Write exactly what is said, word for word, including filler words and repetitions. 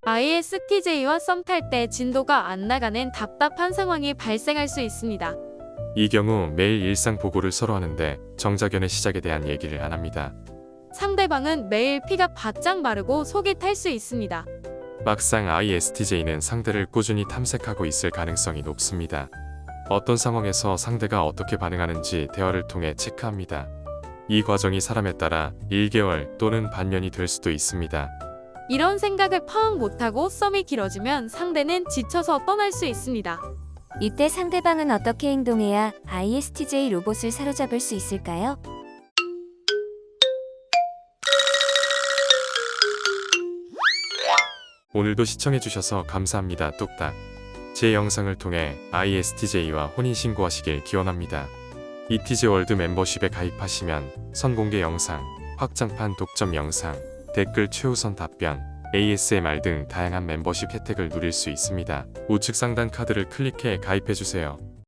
아이에스티제이와 썸 탈 때 진도가 안 나가는 답답한 상황이 발생할 수 있습니다. 이 경우 매일 일상 보고를 서로 하는데 정자견의 시작에 대한 얘기를 안 합니다. 상대방은 매일 피가 바짝 마르고 속이 탈 수 있습니다. 막상 아이에스티제이는 상대를 꾸준히 탐색하고 있을 가능성이 높습니다. 어떤 상황에서 상대가 어떻게 반응하는지 대화를 통해 체크합니다. 이 과정이 사람에 따라 일 개월 또는 반년이 될 수도 있습니다. 이런 생각을 파악 못하고 썸이 길어지면 상대는 지쳐서 떠날 수 있습니다. 이때 상대방은 어떻게 행동해야 아이에스티제이 로봇을 사로잡을 수 있을까요? 오늘도 시청해주셔서 감사합니다. 뚝딱. 제 영상을 통해 아이에스티제이와 혼인신고하시길 기원합니다. 이티지월드 멤버십에 가입하시면 선공개 영상, 확장판 독점 영상, 댓글 최우선 답변, 에이에스엠알 등 다양한 멤버십 혜택을 누릴 수 있습니다. 우측 상단 카드를 클릭해 가입해주세요.